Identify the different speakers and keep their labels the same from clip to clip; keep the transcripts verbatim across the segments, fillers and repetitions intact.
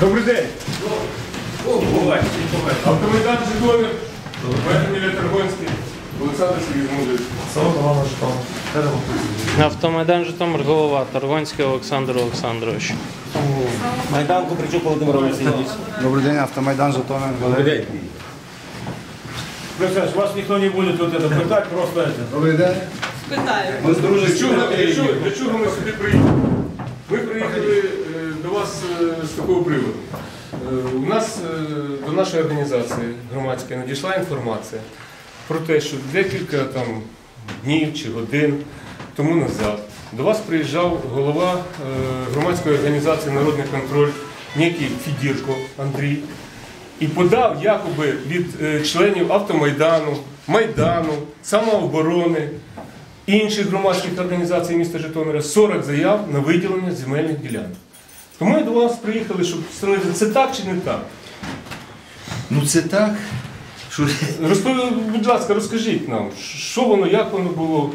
Speaker 1: Добрий день. Автомайдан Житомир, Мельник Таргонський, Олександр Сергійович.
Speaker 2: Автомайдан Житомир, голова Таргонський Олександр Олександрович.
Speaker 3: Майдан Купричук Володимир Олексійович.
Speaker 4: Добрий день, Автомайдан Житомир.
Speaker 3: Добрий день.
Speaker 5: Представляешь, вас никто не будет вот это пытать, просто это.
Speaker 4: Добрий день.
Speaker 6: Питаю.
Speaker 4: Ми з дружини.
Speaker 1: Для чого, для, чого, для чого ми сюди приїхали? Ми приїхали е, до вас е, з такого приводу. Е, у нас е, до нашої організації громадської надійшла інформація про те, що декілька там днів чи годин тому назад до вас приїжджав голова е, громадської організації «Народний контроль», некий Федірко Андрій, і подав якоби від е, членів Автомайдану, Майдану, Самооборони, інших громадських організацій міста Житомира сорок заяв на виділення земельних ділянок. Тому ми до вас приїхали, щоб встановити, це так чи не так?
Speaker 7: Ну це так. Що...
Speaker 1: Розпові, будь ласка, розкажіть нам, що воно, як воно було,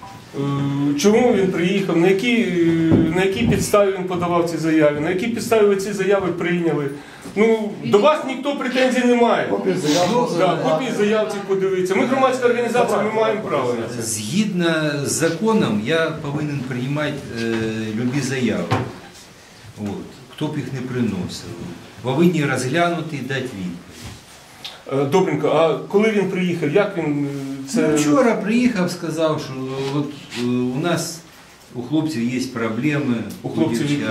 Speaker 1: чому він приїхав, на якій, на якій підставі він подавав ці заяви, на якій підставі ви ці заяви прийняли. Ну, до вас ніхто претензій не має. Копії заяв, да, копії заяв цих подивитися. Ми громадська організація, ми маємо право на це.
Speaker 7: Згідно з законом, я повинен приймати е, любі заяви. От. Хто б їх не приносив. Повинні розглянути і дати відповідь.
Speaker 1: Добренько, а коли він приїхав, як він це...
Speaker 7: Ну, вчора приїхав, сказав, що от, е, у нас у хлопців є проблеми.
Speaker 1: У хлопців які?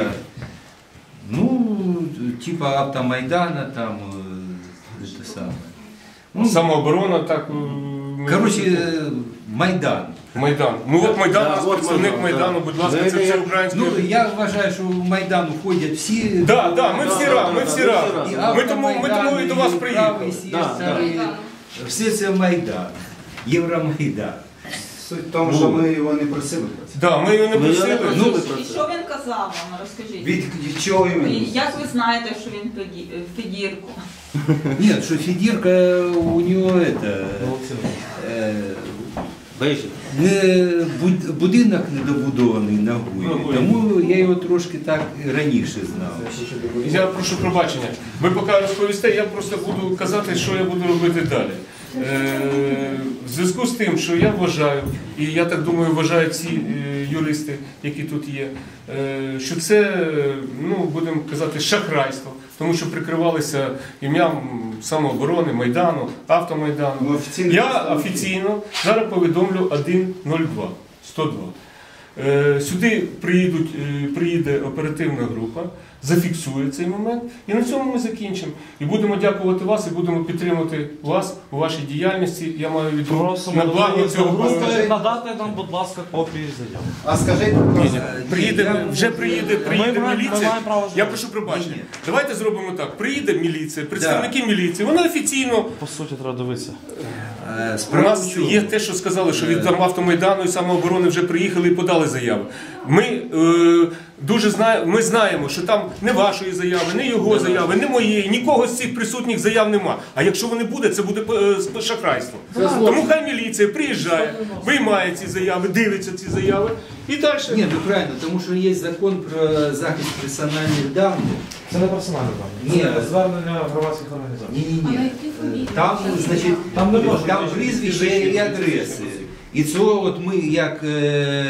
Speaker 7: Ну, типа Автомайдана, там, это самое. Ну,
Speaker 1: Самооборона, так...
Speaker 7: короче, Майдан.
Speaker 1: Майдан. Ну от Майдан,
Speaker 3: Да,
Speaker 1: у нас
Speaker 3: от
Speaker 1: представник
Speaker 3: Майдан,
Speaker 1: Майдану,
Speaker 3: да.
Speaker 1: будь ласка, це все українське.
Speaker 7: Ну, я вважаю, що в Майдан входять всі...
Speaker 1: Так, так, ми всі разом, ми всі разом.
Speaker 7: І
Speaker 1: Ми тому, ми тому і до вас
Speaker 7: і
Speaker 1: приїхали.
Speaker 7: правий сектор, і все це Майдан. Євромайдан.
Speaker 4: Суть в тому, що ми його не просили.
Speaker 1: Так, ми його не просили.
Speaker 7: Ну,
Speaker 6: І що він казав вам, розкажіть?
Speaker 7: від, від чого
Speaker 6: І
Speaker 7: іменно?
Speaker 6: як ви знаєте, що він Феді- Федірко?
Speaker 7: Ні, що Федірка у нього это, е, не, буд- будинок недобудований на Гуєві, тому я його трошки так раніше знав.
Speaker 1: Я прошу пробачення. Ви поки розповісте, я просто буду казати, що я буду робити далі. Е, в зв'язку з тим, що я вважаю, і я так думаю, вважають ці е, юристи, які тут є, е, що це, ну, будемо казати, шахрайство, тому що прикривалися ім'ям Самооборони, Майдану, Автомайдану.
Speaker 4: Ну, офіційно
Speaker 1: Я
Speaker 4: представники.
Speaker 1: офіційно зараз повідомлю один нуль два, сто два. Е, Сюди приїдуть, е, приїде оперативна група, зафіксує цей момент, і на цьому ми закінчимо. І будемо дякувати вас, і будемо підтримувати вас у вашій діяльності. Я маю віду
Speaker 2: Просимо
Speaker 1: на благо цього
Speaker 2: групи
Speaker 1: проекту.
Speaker 2: надати нам, будь ласка, копії заяв.
Speaker 4: А скажіть, будь ласка,
Speaker 1: Приїде, вже приїде, приїде
Speaker 2: Ми маємо- ми
Speaker 1: міліція.
Speaker 2: маємо право
Speaker 1: Я
Speaker 2: знати.
Speaker 1: прошу пробачення.
Speaker 7: Ні, ні.
Speaker 1: Давайте зробимо так. Приїде міліція, представники міліції, вони офіційно.
Speaker 2: По суті, треба дивитися.
Speaker 7: Е,
Speaker 1: У
Speaker 7: Справа в
Speaker 1: нас
Speaker 7: чому?
Speaker 1: є те, що сказали, що від там Автомайдану і Самооборони вже приїхали і подали заяви. Ми е, дуже знаємо, ми знаємо, що там не вашої заяви, не його заяви, не моєї, нікого з цих присутніх заяв нема. А якщо вони буде, це буде е, шахрайство. Тому хай міліція приїжджає, виймає ці заяви, дивиться ці заяви і далі.
Speaker 7: Ні, ну правильно, тому що є закон про захист персональних даних.
Speaker 2: Це не персональне дані.
Speaker 7: Ні.
Speaker 2: Це звернення громадських організацій.
Speaker 7: Ні-ні-ні. Там, значить,
Speaker 2: Там не можна
Speaker 7: там
Speaker 2: бути
Speaker 7: прізвище
Speaker 2: фізичні
Speaker 7: і адреси. І цього от ми, як е,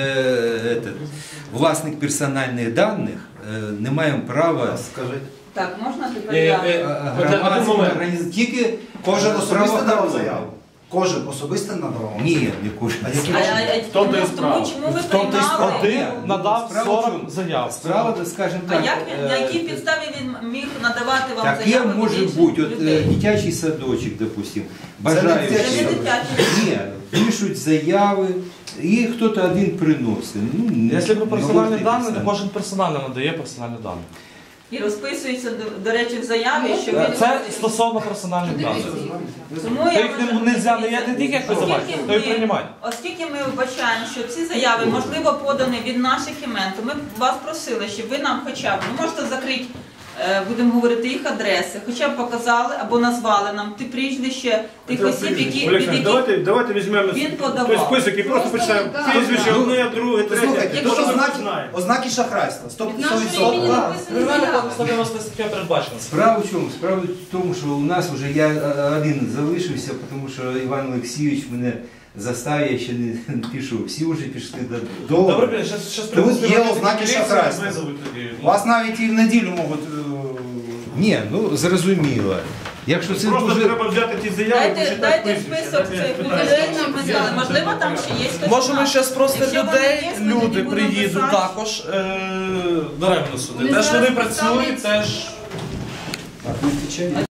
Speaker 7: этот, власник персональних даних, е, не маємо права
Speaker 4: скажіть.
Speaker 6: Так, можна тепер
Speaker 2: Е,
Speaker 6: я?
Speaker 2: е,
Speaker 7: громадським
Speaker 2: момент.
Speaker 7: організаціям. Тільки
Speaker 4: Кожен особисто
Speaker 7: правоохоронні.
Speaker 4: надав заяву? Кожен особисто надавав?
Speaker 7: Ні, не кожен.
Speaker 4: А які
Speaker 6: А, а, а,
Speaker 2: тому
Speaker 6: тому,
Speaker 2: і справа.
Speaker 6: тому чому ви
Speaker 2: В тому то й справа.
Speaker 6: приймали?
Speaker 2: Один надав
Speaker 7: Справа в чому?
Speaker 2: сорок заяв.
Speaker 7: Справа, скажімо
Speaker 6: А
Speaker 7: так.
Speaker 6: як він, на
Speaker 7: е,
Speaker 6: якій підставі він міг надавати вам
Speaker 7: Таке
Speaker 6: заяви від
Speaker 7: може
Speaker 6: інших
Speaker 7: бути, от е,
Speaker 6: людей?
Speaker 7: дитячий садочок, допустим,
Speaker 4: Це не
Speaker 7: бажають.
Speaker 4: дитячий
Speaker 6: Це не
Speaker 4: садочок.
Speaker 6: дитячий.
Speaker 7: Ні, пишуть заяви, і хтось один приносить. Ну,
Speaker 2: Якщо про
Speaker 7: не
Speaker 2: персональні
Speaker 7: можна
Speaker 2: дані, то
Speaker 7: писати.
Speaker 2: кожен персонально надає персональні дані.
Speaker 6: І розписується, до, до речі, в заяві, що він...
Speaker 2: Це стосовно персональних даних.
Speaker 6: Тому
Speaker 2: То
Speaker 6: я
Speaker 2: їх не, не можна не, не тільки як визивати,
Speaker 6: Оскільки
Speaker 2: то й
Speaker 6: ми-
Speaker 2: приймати.
Speaker 6: Оскільки ми вбачаємо, що ці заяви, можливо, подані від наших імен, то ми б вас просили, щоб ви нам хоча б, ви можете закрити е, будемо говорити їх адреси, хоча б показали або назвали нам ті прізвище тих осіб, які, від
Speaker 5: Олександр,
Speaker 6: яких
Speaker 5: давайте, давайте візьмемо
Speaker 6: він подавав.
Speaker 5: той список і просто почнемо. Прізвище одне, друге, третє.
Speaker 4: Послухайте,
Speaker 6: Якщо
Speaker 4: тут
Speaker 6: ми
Speaker 4: ознаки,
Speaker 5: знаємо.
Speaker 4: ознаки шахрайства. сто
Speaker 8: Від нашого
Speaker 4: відсотків.
Speaker 8: імені написано заява.
Speaker 7: Справа в чому? Справа в тому, що у нас вже я е, один залишився, тому що Іван Олексійович мене заставив, я ще не пішов. Всі вже пішли додому.
Speaker 9: Добре, зараз щас
Speaker 4: Тут є ознаки шахрайства.
Speaker 9: визовуть тоді.
Speaker 4: Вас навіть і в неділю можуть... е,
Speaker 7: Ні, ну зрозуміло. Якщо це
Speaker 5: Просто
Speaker 7: дуже...
Speaker 5: треба взяти ті заяви,
Speaker 6: Дайте,
Speaker 5: почитати
Speaker 6: дайте
Speaker 5: прізвище.
Speaker 6: список цих людей, щоб ми знали. Можливо, там ще є хтось.
Speaker 9: Може, ми
Speaker 6: наш.
Speaker 9: зараз просто
Speaker 6: Якщо вони
Speaker 9: людей,
Speaker 6: є, ми
Speaker 9: люди
Speaker 6: тоді будемо
Speaker 9: приїдуть
Speaker 6: писати.
Speaker 9: також е, даремно сюди.
Speaker 8: Вони
Speaker 9: Теж
Speaker 8: зараз
Speaker 9: вони працюють,
Speaker 8: представляють-
Speaker 9: теж.
Speaker 4: Так, не відповідає.